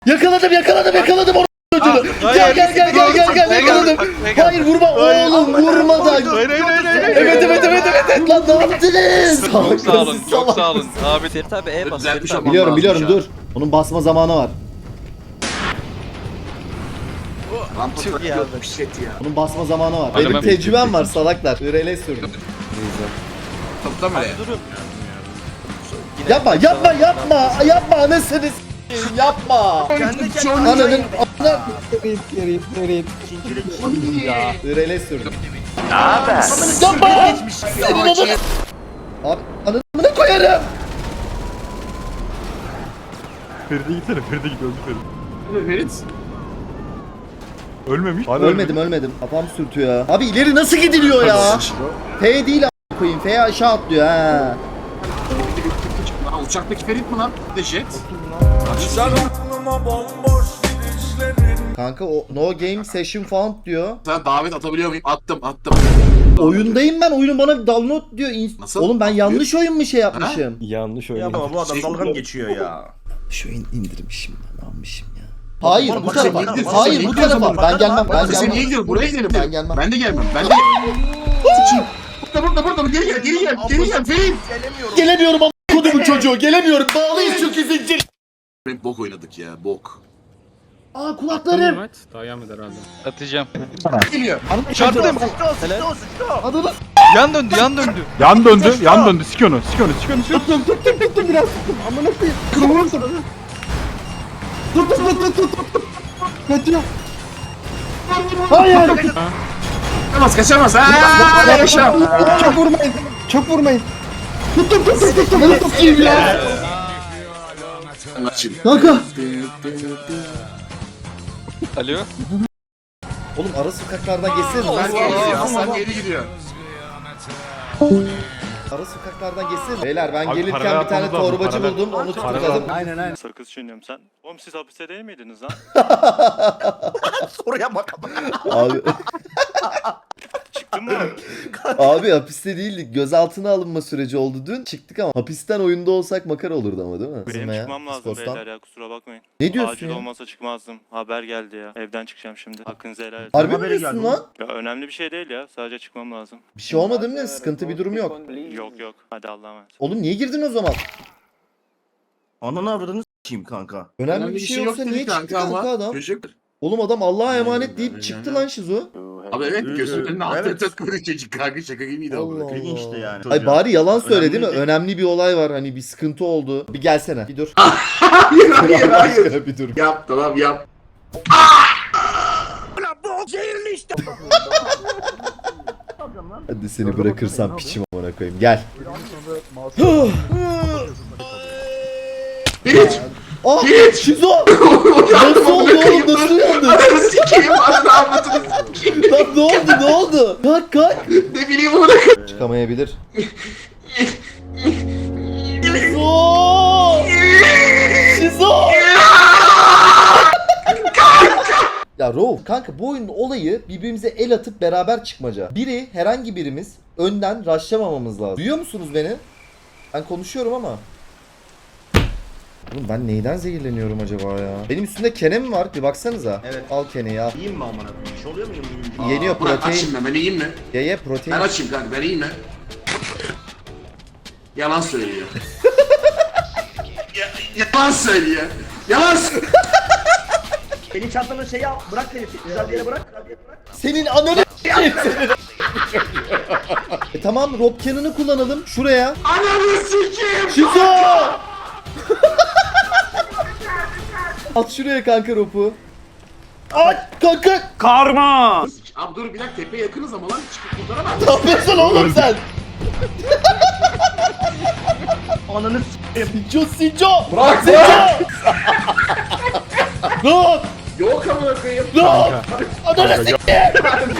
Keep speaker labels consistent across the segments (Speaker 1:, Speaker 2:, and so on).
Speaker 1: Yakaladım onu çocuğunu. Gel yakaladım. Hayır vurma oğlum vurma da. Evet lan ne yaptınız?
Speaker 2: Çok sağ olun. Abi
Speaker 3: Ferit abi E bas.
Speaker 4: Düzeltmiş
Speaker 3: Ferit abi.
Speaker 4: ama.
Speaker 1: Biliyorum dur. Onun basma zamanı var.
Speaker 4: Rampa
Speaker 3: Çok iyi
Speaker 4: yok
Speaker 3: abi.
Speaker 4: bir şey ya.
Speaker 1: Onun basma zamanı var.
Speaker 2: Hadi
Speaker 1: Benim
Speaker 2: ben-
Speaker 1: tecrübem var salaklar. IRL sürdüm.
Speaker 4: Toplam öyle.
Speaker 3: Durun.
Speaker 1: Yapma anasını s**eyim, yapma.
Speaker 3: Kendi kendine.
Speaker 1: Ananın
Speaker 3: Ferit.
Speaker 1: IRL sürdüm. Yapma. Senin ananı. Abi ananı koyarım.
Speaker 5: Feride gitsene, Feride git, öldü Feride.
Speaker 4: Ferit.
Speaker 5: Ölmemiş. Hala
Speaker 1: Ölmedim. Kafam sürtüyor ya. Abi ileri nasıl gidiliyor ya? F değil a**ına koyayım. F aşağı atlıyor ha.
Speaker 4: Lan uçaktaki Ferit mi lan? Bir de jet.
Speaker 1: Kanka o no game session found diyor.
Speaker 4: Sana davet atabiliyor muyum? Attım.
Speaker 1: Oyundayım ben. Oyunun bana download diyor.
Speaker 4: Nasıl?
Speaker 1: Oğlum ben yanlış oyun mu şey yapmışım?
Speaker 5: Yanlış
Speaker 6: Ya
Speaker 5: oynadı.
Speaker 6: baba bu adam dalga mı geçiyor ya?
Speaker 1: Şu oyun indirmişim ben almışım ya. Hayır bu
Speaker 4: bak,
Speaker 1: tarafa.
Speaker 4: sen niye
Speaker 1: Hayır bu
Speaker 4: gidiyorsun?
Speaker 1: tarafa. Ben gelmem.
Speaker 4: Sen niye gidiyorsun? Buraya gidelim.
Speaker 1: Ben gelmem.
Speaker 4: Ben de gelmem. Burada. Geri gel. Ferit.
Speaker 1: Gelemiyorum ama kodumun çocuğu. Gelemiyorum. Bağlıyız çünkü zincir.
Speaker 4: Hep bok oynadık ya. Bok.
Speaker 1: Aa kulaklarım.
Speaker 2: atacağım.
Speaker 4: Geliyor.
Speaker 2: Çarptım.
Speaker 1: Adını.
Speaker 2: Yan döndü.
Speaker 5: Yan döndü. Sik onu.
Speaker 1: Hayır.
Speaker 4: Kaçamaz. Yaşa.
Speaker 1: Çok vurmayın. Tuttum. Beni tutayım ya. Kanka.
Speaker 2: Alo.
Speaker 1: Oğlum ara sokaklardan geçsene.
Speaker 4: Hasan geri gidiyor.
Speaker 1: Ara sokaklardan geçsene. Beyler ben
Speaker 5: Abi
Speaker 1: gelirken
Speaker 5: parayı
Speaker 1: bir tane
Speaker 5: atmamız lazım,
Speaker 1: torbacı
Speaker 5: parayı.
Speaker 1: buldum. Onu tutukladım.
Speaker 6: Aynen.
Speaker 5: Sakız çiğniyorum sen. Oğlum siz hapiste değil miydiniz lan?
Speaker 6: Soruya bak.
Speaker 1: Abi,
Speaker 5: Çıktın mı?
Speaker 1: abi hapiste değildik. Gözaltına alınma süreci oldu dün. Çıktık ama hapisten oyunda olsak makara olurdu ama değil mi?
Speaker 5: Benim
Speaker 1: Bizim ya,
Speaker 5: çıkmam lazım
Speaker 1: Discord'dan.
Speaker 5: beyler ya, kusura bakmayın.
Speaker 1: Ne diyorsun
Speaker 5: Acil
Speaker 1: ya?
Speaker 5: olmasa çıkmazdım. Haber geldi ya. Evden çıkacağım şimdi. Hakkınızı helal edin.
Speaker 1: Harbi mi
Speaker 6: Haberi
Speaker 1: diyorsun
Speaker 6: geldi
Speaker 1: lan?
Speaker 5: Ya önemli bir şey değil ya. Sadece çıkmam lazım.
Speaker 1: Bir şey olmadı mı? Sıkıntı bir durum yok.
Speaker 5: Yok. Hadi Allah'a emanet.
Speaker 1: Oğlum niye girdin o zaman?
Speaker 6: Ananı avradını s**eyim kanka.
Speaker 1: Önemli bir şey yoksa
Speaker 4: dedi
Speaker 1: niye çıktı kanka adam?
Speaker 4: Çocuk.
Speaker 1: Oğlum adam Allah'a emanet deyip çıktı lan Şizo.
Speaker 4: Abi evet gözümün önüne attı
Speaker 6: Evet.
Speaker 4: takılıyor çocuk kanka şaka gibiydi
Speaker 1: Allah
Speaker 4: ama.
Speaker 6: İlginçti yani.
Speaker 1: Ay bari yalan söyle
Speaker 6: Önemli
Speaker 1: değil mi?
Speaker 6: değil.
Speaker 1: Önemli bir olay var hani bir sıkıntı oldu. Bir gelsene. Bir dur.
Speaker 4: Hayır.
Speaker 1: Allah aşkına bir dur.
Speaker 4: Yap tamam yap.
Speaker 1: Hadi seni bırakırsam piçim amına koyayım. Gel.
Speaker 4: Ferit.
Speaker 1: Ah! Şizo! Nasıl oldu oğlum? Nasıl uyandın?
Speaker 4: Ananı sikeyim ananı avradını sikeyim.
Speaker 1: Lan ne oldu? Kalk.
Speaker 4: Ne bileyim onu.
Speaker 1: Çıkamayabilir. Şizo! Şizo! Ya Rauf kanka bu oyunun olayı birbirimize el atıp beraber çıkmaca. Herhangi birimiz önden rushlamamamız lazım. Duyuyor musunuz beni? Ben konuşuyorum ama. Oğlum ben neyden zehirleniyorum acaba ya? Benim üstümde kene mi var? Bir baksanıza.
Speaker 6: Evet.
Speaker 1: Al keneyi al.
Speaker 6: İyiyim mi amına koyayım? Bir şey oluyor mu?
Speaker 1: Yeniyor
Speaker 4: Burak
Speaker 1: protein.
Speaker 4: açayım ben iyiyim mi?
Speaker 1: Ye protein.
Speaker 4: Ben açayım kanka ben iyiyim mi? Yalan söylüyor. Yalan söylüyor. Yalan söylüyor.
Speaker 6: Senin çantanın şeyi al. Bırak seni. Güzel bir yere bırak.
Speaker 1: Senin ananı tamam Rob Cannon'ı kullanalım şuraya.
Speaker 4: Ananı sikeyim.
Speaker 1: Şizo! At şuraya kanka Rob'u. At kanka.
Speaker 5: Karma!
Speaker 4: Abi dur bir dakika tepeye yakınız ama lan çıkıp kurtaramam.
Speaker 1: Ne yapıyorsun oğlum sen?
Speaker 6: Ananı s**eyim.
Speaker 1: Sinco! Bırak Sinco! Rob!
Speaker 4: Yok amına koyayım.
Speaker 1: Rob! Ananı sikeyim!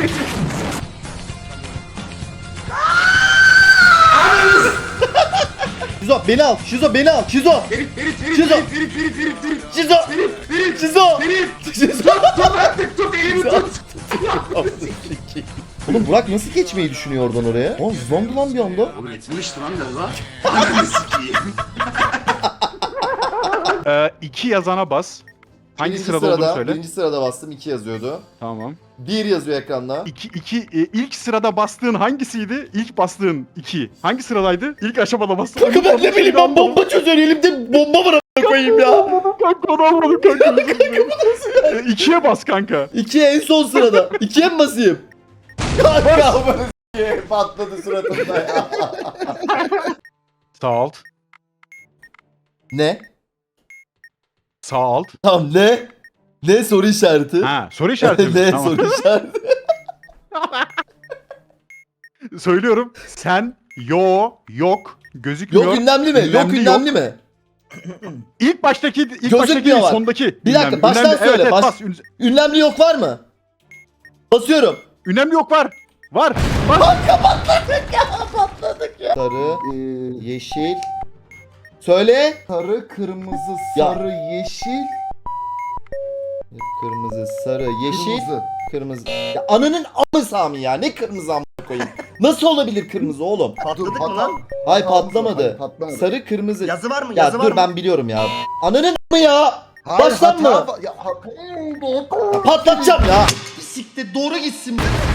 Speaker 1: Şizo beni al. Şizo beni al. Şizo!
Speaker 4: Ferit.
Speaker 1: Şizo! Şizo!
Speaker 4: Ferit.
Speaker 1: Şizo! Şizo!
Speaker 4: Tut artık tut elimi tut.
Speaker 1: Oğlum Burak nasıl geçmeyi düşünüyor oradan oraya? Oğlum zondu lan bir anda.
Speaker 4: Oğlum etmişti lan galiba. Ananı sikeyim.
Speaker 5: 2 yazana bas.
Speaker 3: Hangi
Speaker 1: Birinci
Speaker 3: sırada olduğunu söyle.
Speaker 1: Birinci sırada bastım 2 yazıyordu.
Speaker 3: Tamam.
Speaker 1: 1 yazıyor ekranda.
Speaker 3: İlk sırada bastığın hangisiydi? İlk bastığın 2. Hangi sıradaydı? İlk aşamada bastığın.
Speaker 1: Kanka ben ne bileyim ben bomba çözüyor elimde bomba var a**ına koyayım ya.
Speaker 3: Kanka onu almadım kanka. 2'ye bas kanka.
Speaker 1: 2'ye en son sırada. 2'ye mi basayım? Kanka bunu s**eyim, patladı suratımda ya.
Speaker 3: Sağ alt.
Speaker 1: Ne?
Speaker 3: Sağ alt.
Speaker 1: Tamam ne? Ne soru işareti?
Speaker 3: Ha, soru işareti mi?
Speaker 1: Ne
Speaker 3: Tamam.
Speaker 1: soru işareti?
Speaker 3: Söylüyorum. Sen, yok, gözükmüyor.
Speaker 1: Yok ünlemli mi? Yok
Speaker 3: Ünlemli
Speaker 1: ünlemli mi?
Speaker 3: İlk baştaki,
Speaker 1: Gözükmüyor
Speaker 3: değil,
Speaker 1: var.
Speaker 3: sondaki.
Speaker 1: Bir dakika,
Speaker 3: ünlemli.
Speaker 1: baştan
Speaker 3: Ünlemli,
Speaker 1: söyle,
Speaker 3: Evet,
Speaker 1: baş-
Speaker 3: bas.
Speaker 1: Ünlemli yok var mı? Basıyorum.
Speaker 3: Ünlemli yok var. Var.
Speaker 1: Sarı, yeşil. Söyle. Sarı, kırmızı, sarı, yeşil. Kırmızı, sarı, yeşil. Kırmızı. Ya ananın amı Sami ya. Ne kırmızı amına koyayım? Nasıl olabilir kırmızı oğlum?
Speaker 6: Patladık mı lan?
Speaker 1: Hay patlamadı. Sarı, kırmızı.
Speaker 6: Yazı var mı?
Speaker 1: Ya
Speaker 6: Yazı var
Speaker 1: dur
Speaker 6: mı?
Speaker 1: ben biliyorum ya. Ananın amı ya. Baştan mı? Ya patlatacağım ya. Bisiklet doğru gitsin.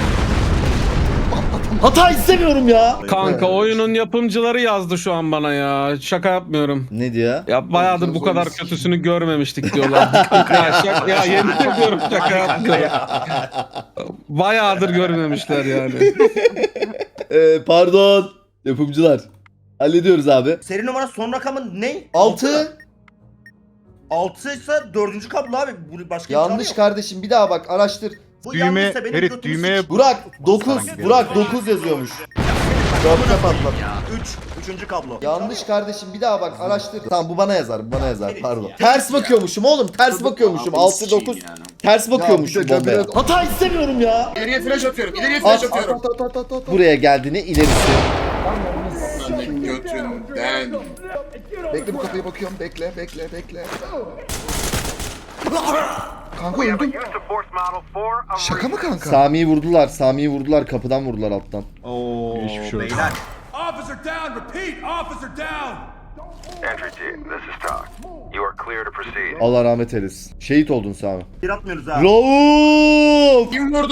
Speaker 1: Hata istemiyorum ya.
Speaker 7: Kanka oyunun yapımcıları yazdı şu an bana ya. Şaka yapmıyorum.
Speaker 1: Ne diyor?
Speaker 7: Ya bayağıdır bu kadar kötüsünü görmemiştik diyorlar. ya yemin ediyorum şaka yapmıyorum. Bayağıdır görmemişler yani.
Speaker 1: Pardon. Yapımcılar. Hallediyoruz abi.
Speaker 6: Seri numara son rakamın ne?
Speaker 1: 6.
Speaker 6: 6 ise 4. kablo abi. Bu başka
Speaker 1: Yanlış
Speaker 6: imkanı yok.
Speaker 1: kardeşim bir daha bak araştır.
Speaker 6: Bu
Speaker 3: Düğme,
Speaker 6: yanlışsa benim
Speaker 3: Ferit
Speaker 6: götümü
Speaker 3: düğmeye
Speaker 6: sik.
Speaker 1: Burak 9.
Speaker 3: Hangi
Speaker 1: Burak 9 yazıyormuş. Dörtte patlat.
Speaker 6: 3. kablo.
Speaker 1: Yanlış kardeşim bir daha bak araştır. Tamam bu bana yazar bu bana yazar pardon. Ters bakıyormuşum oğlum ters bakıyormuşum. 6 9 ters bakıyormuşum bombaya. Hata istemiyorum ya.
Speaker 4: İleriye flash atıyorum. İleriye flash
Speaker 1: At,
Speaker 4: atıyorum.
Speaker 1: Buraya geldiğine ilerisi.
Speaker 4: Senin götünden.
Speaker 8: Bekle bu kapıya bakıyorum. Bekle. Kanka öldüm. Şaka mı kanka?
Speaker 1: Sami'yi vurdular. Sami'yi vurdular. Kapıdan vurdular alttan.
Speaker 3: Hiçbir şey yok.
Speaker 6: Beyler.
Speaker 9: Officer down! Repeat! Officer down!
Speaker 10: Entry team, this is Talk. You are clear to proceed.
Speaker 1: Allah rahmet eylesin. Şehit oldun Sami.
Speaker 6: Bir atmıyoruz ha.
Speaker 1: Rauf!
Speaker 4: Kim vurdu?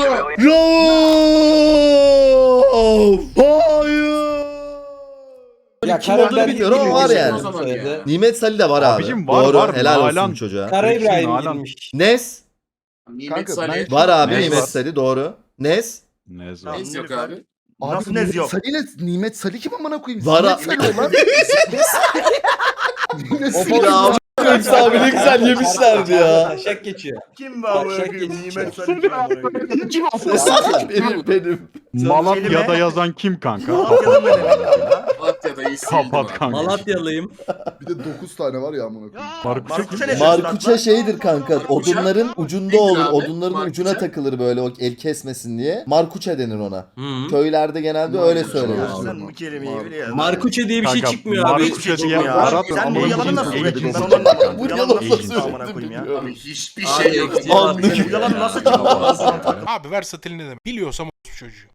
Speaker 1: Rauf! Hayır!
Speaker 11: Ya
Speaker 1: Kim olduğunu bilmiyorum ama var yani.
Speaker 11: Söyledi.
Speaker 1: Nimet Salih de var abi.
Speaker 3: Abicim var,
Speaker 1: Doğru.
Speaker 3: var.
Speaker 1: Helal olsun
Speaker 3: Nalan.
Speaker 1: çocuğa.
Speaker 11: Kara İbrahim
Speaker 3: Nalan.
Speaker 11: girmiş.
Speaker 1: Nes?
Speaker 4: Nimet
Speaker 8: Kanka,
Speaker 4: Salih.
Speaker 1: Var abi
Speaker 3: Nes
Speaker 1: Nimet
Speaker 3: var.
Speaker 1: Salih doğru. Nes?
Speaker 3: Ne zor.
Speaker 6: Tamam.
Speaker 4: Neyse yok abi.
Speaker 6: Nasıl
Speaker 8: Nimet
Speaker 6: nez yok?
Speaker 8: Salih ile Nimet Salih kim amına koyayım?
Speaker 1: Var
Speaker 8: Nimet
Speaker 1: abi.
Speaker 8: Salih lan. Nimet Salih.
Speaker 1: Ya Yoksa abi ne güzel yemişlerdi ya.
Speaker 11: Taşak geçiyor.
Speaker 6: Kim var bu?
Speaker 11: Taşak
Speaker 6: Nimet
Speaker 11: geçiyor.
Speaker 6: Salih kim var bu?
Speaker 8: Kim
Speaker 1: benim.
Speaker 3: Malatya'da yazan kim kanka?
Speaker 6: Malatya'da mı demek ya?
Speaker 4: Malatya'da iyi sildim
Speaker 3: Kapat
Speaker 4: abi.
Speaker 3: kanka.
Speaker 11: Malatyalıyım.
Speaker 8: Bir de 9 tane var ya amına koyayım.
Speaker 3: Markus'a kim?
Speaker 6: Markus'a ne
Speaker 1: Markuça şeydir kanka. Odunların ucunda
Speaker 4: Nedir
Speaker 1: olur.
Speaker 4: abi?
Speaker 1: Odunların
Speaker 4: Markuça?
Speaker 1: ucuna takılır böyle o el kesmesin diye. Markuça denir ona.
Speaker 11: Hı.
Speaker 1: Köylerde genelde öyle
Speaker 8: Markuça.
Speaker 1: söylenir.
Speaker 6: Sen bu kelimeyi biliyorsun.
Speaker 11: Markuçe diye bir şey
Speaker 3: Kanka,
Speaker 11: çıkmıyor abi.
Speaker 3: Markuça diye
Speaker 6: Ya.
Speaker 3: arat
Speaker 6: Sen bu
Speaker 3: amına
Speaker 6: yalanı nasıl
Speaker 3: koyayım.
Speaker 6: ürettin? Ben
Speaker 3: Agent.
Speaker 6: onu anlamadım.
Speaker 1: Bu
Speaker 6: Yalan
Speaker 1: yalanı
Speaker 6: nasıl
Speaker 1: nasıl
Speaker 6: çıktı amına
Speaker 1: ürettin
Speaker 6: koyayım ya?
Speaker 1: bilmiyorum.
Speaker 4: Abi hiçbir şey yok.
Speaker 1: Anlık.
Speaker 6: Bu yalan nasıl çıktı?
Speaker 9: Abi versatili ne demek? Biliyorsam o çocuğu.